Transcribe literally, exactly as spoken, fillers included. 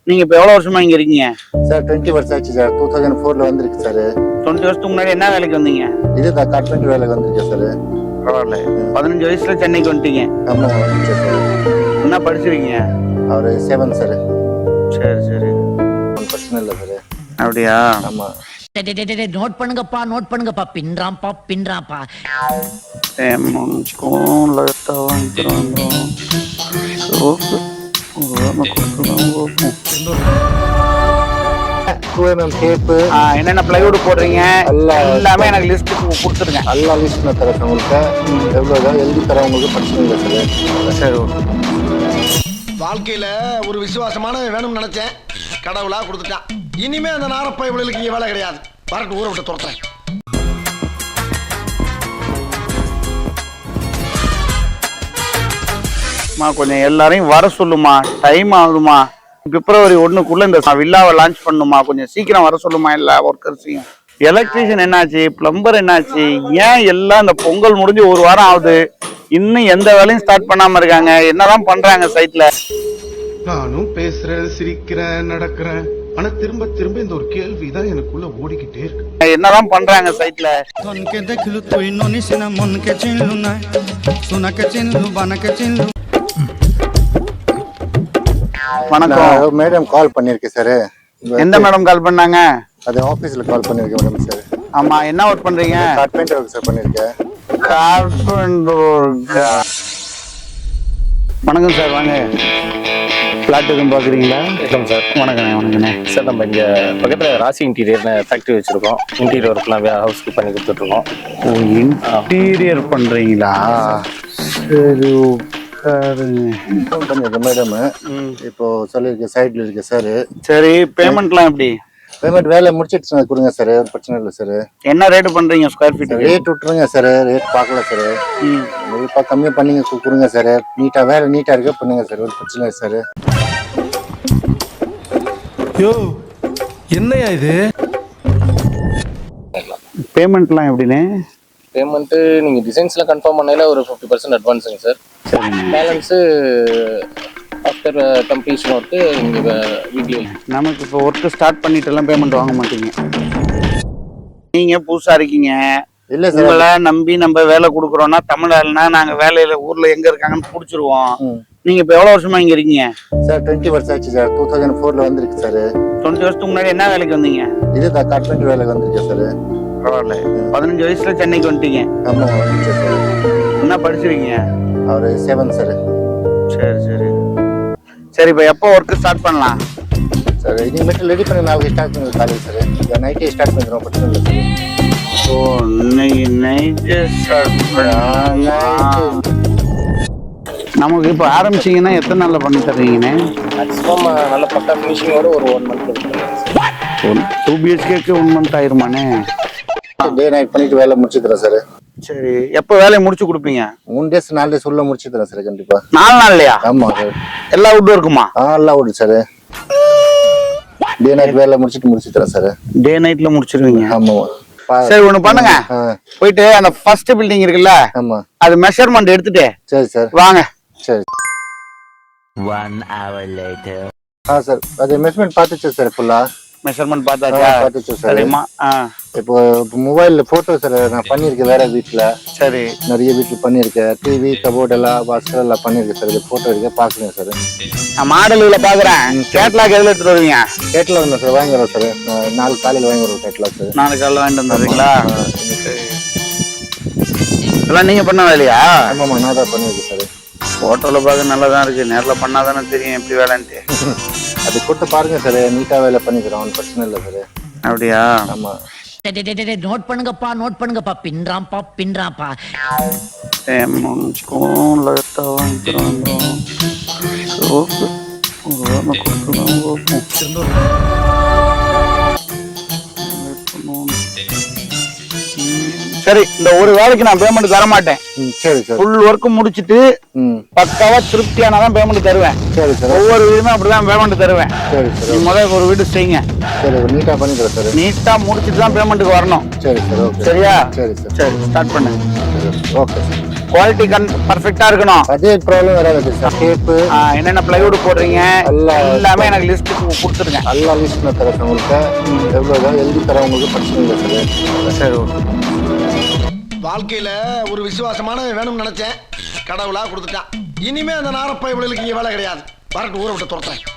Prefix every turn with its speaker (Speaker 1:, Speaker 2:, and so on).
Speaker 1: நீங்க இப்ப எவ்வளவு வருஷமா இங்க இருக்கீங்க?
Speaker 2: சார் டுவெண்ட்டி வருஷம் ஆச்சு சார். டூ தௌசண்ட் ஃபோர்ல வந்திருக்கு சார்.
Speaker 1: டுவெண்ட்டி வருஷத்துக்கு முன்னாடி என்ன வேலைக்கு வந்தீங்க?
Speaker 2: இதுதான் கார்பெண்டர் வேலைக்கு வந்திருக்கேன் சார்.
Speaker 1: பரவாயில்ல. பதினஞ்சு வயசுல சென்னைக்கு வந்துட்டீங்க.
Speaker 2: ஆமா வந்துருக்கேன் சார்.
Speaker 1: என்ன படிச்சிருக்கீங்க?
Speaker 2: அவரு செவன் சார்.
Speaker 1: சரி சரி,
Speaker 2: பிரச்சனை இல்லை சார்.
Speaker 1: அப்படியா?
Speaker 2: ஆமா.
Speaker 3: நோட் பண்ணுங்கப்பா நோட் பண்ணுங்கப்பா பின்றாம்பா பின்றாம்பா
Speaker 1: என்னென்ன பிளைவுட் போடுறீங்க எல்லாமே எனக்கு லிஸ்ட் கொடுத்துருங்க.
Speaker 2: எல்லா லிஸ்ட் நான் தரேன் உங்களுக்கு. எவ்வளோதான் எழுதி தரேன் உங்களுக்கு, பிரச்சனை இல்லை சார்.
Speaker 1: சரி.
Speaker 4: வாழ்க்கையில ஒரு விசுவாசமான வேணும்னு நினைச்சேன், கடவுளா கொடுத்துட்டான். இனிமே அந்த நாரப்பை இவளுக்கு இங்க வேலை கிடையாது. வரட்டு ஊரை விட்டு துரத்துறேன்.
Speaker 1: கொஞ்சம் எல்லாரையும் வர சொல்லுமா, டைம் ஆகுதுமா. பிப்ரவரி ஒண்ணுக்குள்ள இந்த வில்லாவை லான்ச் பண்ணுமா, கொஞ்சம் சீக்கிரம் வர சொல்லுமா எல்லா ஒர்க்கர்ஸையும். எலக்ட்ரீஷியன் என்னாச்சு, பிளம்பர் என்னாச்சு, ஏன் எல்லாம் இந்த பொங்கல் முடிஞ்சு ஒரு வாரம் ஆகுது, இன்னும் எந்த வேலையும் ஸ்டார்ட் பண்ணாம இருக்காங்க? என்னதான் பண்றாங்க சைட்ல?
Speaker 5: நானும் பேசுறேன், சிரிக்கிறேன், நடக்கிறேன், ஆனா திரும்ப திரும்ப இந்த ஒரு கேள்விதான் எனக்குள்ள ஓடிக்கிட்டே இருக்கு.
Speaker 1: என்னதான் பண்றாங்க சைட்ல?
Speaker 2: வணக்கம் மேடம், கால் பண்ணிருக்கேன் சார்.
Speaker 1: எந்த மேடம் கால் பண்ணாங்க?
Speaker 2: அது ஆபீஸ்ல கால் பண்ணிருக்கேன் மேடம் சார்.
Speaker 1: ஆமா, என்ன ஒர்க் பண்றீங்க?
Speaker 2: கார்பெண்டர் ஒர்க் சார் பண்ணிருக்கேன்.
Speaker 1: Carpenter work. வணக்கம் சார், வாங்க. பிளாட் எதுவும் பார்க்குறீங்களா?
Speaker 6: வணக்கம் சார்.
Speaker 1: வணக்கண்ணே. வணக்கண்ணே
Speaker 6: சார், நம்ம இங்கே பக்கத்தில் ராசி இன்டீரியர்னு ஃபேக்ட்ரி வச்சுருக்கோம். இன்டீரியர் ஒர்க்லாம் ஹவுஸ்க்கு பண்ணி கொடுத்துட்ருக்கோம்.
Speaker 1: ஓ, இன்டீரியர் பண்ணுறீங்களா? சரி,
Speaker 2: பண்ணிருக்கேன் மேடம். இப்போ சொல்லியிருக்கேன், சைட்ல இருக்கு சார்.
Speaker 1: சரி, பேமெண்ட்லாம் எப்படி?
Speaker 2: பேமெண்ட் வேலை முடிச்சிட்டு கொடுங்க சார், பிரச்சனை இல்லை சார்.
Speaker 1: என்ன ரேட்டு பண்றீங்க ஸ்கொயர் ஃபீட்?
Speaker 2: ரேட் விட்டுருங்க சார், ரேட் பார்க்கல சார். இப்போ கம்மியாக பண்ணிங்க கொடுங்க சார். நீட்டா வேலை நீட்டா இருக்க பண்ணுங்க சார், ஒரு பிரச்சனை இல்லை சார்.
Speaker 5: யோ, என்னையா இது?
Speaker 1: பேமெண்ட்லாம் எப்படின்னு?
Speaker 6: பேமெண்ட்டு நீங்கள் டிசைன்ஸ்லாம் கன்ஃபார்ம் பண்ணையில ஒரு ஃபிஃப்டி பர்சன்ட் அட்வான்ஸுங்க சார்.
Speaker 1: சரி,
Speaker 6: பேலன்ஸு ஆஃப்டர் கம்ப்ளீஷன் ஒர்க்கு இங்கே வீக்லி.
Speaker 1: நமக்கு இப்போ ஒர்க்கு ஸ்டார்ட் பண்ணிட்டு எல்லாம் பேமெண்ட் வாங்க மாட்டீங்க. நீங்க புதுசா இருக்கீங்க.
Speaker 2: இல்லை சார்,
Speaker 1: உங்களை நம்பி நம்ம வேலை கொடுக்குறோம்னா தமிழ்நாடுனா நாங்க வேலையில ஊர்ல எங்க இருக்காங்கன்னு பிடிச்சிருவோம். நீங்க இப்ப எவ்வளவு வருஷமா இங்க இருக்கீங்க?
Speaker 2: சார் டுவெண்ட்டி வருஷம் ஆச்சு சார். டூ தௌசண்ட் ஃபோர்ல வந்திருக்கு சார்.
Speaker 1: டுவெண்ட்டி வருஷத்துக்கு முன்னாடி என்ன வேலைக்கு வந்தீங்க?
Speaker 2: இதுதான் கார்பெண்டர் வேலைக்கு வந்திருக்கேன் சார்.
Speaker 1: பரவாயில்ல. பதினஞ்சு வயசுல சென்னைக்கு வந்துட்டீங்க.
Speaker 2: ஆமா வந்துருக்கேன் சார்.
Speaker 1: என்ன படிச்சிருக்கீங்க?
Speaker 2: அவரு செவன் சார்.
Speaker 1: சரி சரி சரி, இப்போ எப்போ ஒர்க்கு ஸ்டார்ட் பண்ணலாம்
Speaker 2: சார்? இனிமேட்டு ரெடி பண்ணி நாளைக்கு ஸ்டார்ட் பண்ணுங்க காலேஜ் சார். இந்த நைட்டே ஸ்டார்ட் பண்ணிடுறோம், பிரச்சனை இல்லை சார்.
Speaker 1: ஓ, இன்னைக்கு நைட்டு ஸ்டார்ட் பண்ணலாம். நமக்கு இப்போ ஆரம்பிச்சிங்கன்னா எத்தனை நாளில் பண்ணி தர்றீங்கண்ணே?
Speaker 6: மேக்ஸிமம் நல்ல பக்கா ஃபினிஷிங்கோட ஒரு ஒன் மந்த்.
Speaker 1: டூ பிஹெச்கேக்கு ஒன் மந்த் ஆயிருமாண்ணே?
Speaker 2: டே நைட் பண்ணிட்டு வேலை முடிச்சு தரேன் சார்.
Speaker 1: சரி, எப்போ வேலையை முடிச்சு கொடுப்பீங்க?
Speaker 2: மூணு டேஸ் நாலு டேஸ் உள்ள முடிச்சு தரேன் சார். கண்டிப்பா
Speaker 1: நாலு நாள்லையா?
Speaker 2: ஆமா சார்.
Speaker 1: எல்லா வுட்டும் இருக்குமா?
Speaker 2: ஆ, எல்லாம் விடு சார். டே நைட் வேலை முடிச்சுட்டு முடிச்சு தரேன் சார்.
Speaker 1: டே நைட்ல முடிச்சிருவீங்க?
Speaker 2: ஆமா.
Speaker 1: சரி, ஒண்ணு பண்ணுங்க. போயிட்டு அந்த ஃபர்ஸ்ட் பில்டிங் இருக்குல்ல,
Speaker 2: ஆமா,
Speaker 1: அது மெஷர்மெண்ட் எடுத்துட்டு
Speaker 2: சரி சார்
Speaker 1: வாங்க.
Speaker 2: சரி.
Speaker 3: One hour later.
Speaker 2: ஆ சார், அது மெஷர்மெண்ட் பார்த்துச்சு சார். ஃபுல்லா
Speaker 1: மெஷர்மெண்ட் பார்த்தாச்சா?
Speaker 2: பார்த்துச்சு சார்.
Speaker 1: சரிம்மா. ஆ,
Speaker 2: இப்போ மொபைல்ல போட்டோ சார் நான் பண்ணியிருக்கேன் வேற வீட்டில்.
Speaker 1: சரி,
Speaker 2: நிறைய வீட்டில் பண்ணியிருக்கேன். டிவி கபோர்ட் எல்லாம் வாசல் எல்லாம் பண்ணியிருக்கேன் சார். இது போட்டோ இருக்கு, பார்க்குறேன் சார்.
Speaker 1: நான் மாடல்களை பார்க்குறேன். கேட்லாக் எதில் எடுத்துட்டு வருவீங்க?
Speaker 2: கேட்லாக் தான் சார் வாங்கிடுறோம் சார். நாலு காலையில் வாங்கிடுறோம் கேட்லாக் சார்.
Speaker 1: நாலு காலையில் வாங்கிட்டு வந்துடுறீங்களா? இதெல்லாம் நீங்க பண்ண வேலையா?
Speaker 2: ஆமாம்மா, நான் தான் பண்ணியிருக்கேன் சார்.
Speaker 1: போட்டோல பார்க்க நல்லா தான் இருக்கு, நேரில் பண்ணாதானே தெரியும் எப்படி வேலைன்ட்டு.
Speaker 2: அது கொடுத்து பாருங்க சார், நீட்டாக வேலை பண்ணிக்கிறோம், ஒன்றும் பிரச்சனை இல்லை சார்.
Speaker 1: அப்படியா?
Speaker 2: ஆமா.
Speaker 3: நோட் பண்ணுங்கப்பா நோட் பண்ணுங்கப்பா பின்றாம்பா பின்றாம்பா
Speaker 1: சரி, இந்த ஒரு வேலைக்கு நான் பேமெண்ட் தர மாட்டேன்.
Speaker 2: சரி சார்.
Speaker 1: ஃபுல் ஒர்க் முடிச்சிட்டு பக்காவா திருப்தியானதான் பேமெண்ட் தருவேன்.
Speaker 2: சரி சார்.
Speaker 1: ஒவ்வொரு வீடுமே அப்படிதான் பேமெண்ட் தருவேன்.
Speaker 2: சரி சார்.
Speaker 1: முதல்ல ஒரு வீடு செய்யுங்க.
Speaker 2: சரி, நீட்டா பண்ணி தரேன் சார்.
Speaker 1: நீட்டா முடிச்சிட்டு தான் பேமெண்ட்டுக்கு வரணும்.
Speaker 2: சரி சார். ஓகே.
Speaker 1: சரியா?
Speaker 2: சரி சார்.
Speaker 1: சரி, ஸ்டார்ட் பண்ணு.
Speaker 2: Okay sir.
Speaker 1: குவாலிட்டி கன் பர்ஃபெக்டா இருக்கணும்.
Speaker 2: அதே ப்ராப்ளம் வராது சார். டேப்பு
Speaker 1: ஆ, என்னென்ன பிளைவுட் போடுறீங்க
Speaker 2: எல்லாம்
Speaker 1: எல்லாமே எனக்கு லிஸ்ட் கொடுத்துருங்க.
Speaker 2: நல்லா லிஸ்ட் நான் தரேன் சார் உங்களுக்கு. எவ்வளோ எழுதி தரேன் உங்களுக்கு, பிரச்சனை இல்லை சார்.
Speaker 1: சரி ஓகே.
Speaker 4: வாழ்க்கையில ஒரு விசுவாசமான வேணும்னு நினைச்சேன், கடவுளா கொடுத்துட்டான். இனிமே அந்த நாரப்பை இவளுக்கு இங்க வேலை கிடையாது. வரட்டு ஊரை விட்டு துரத்தேன்.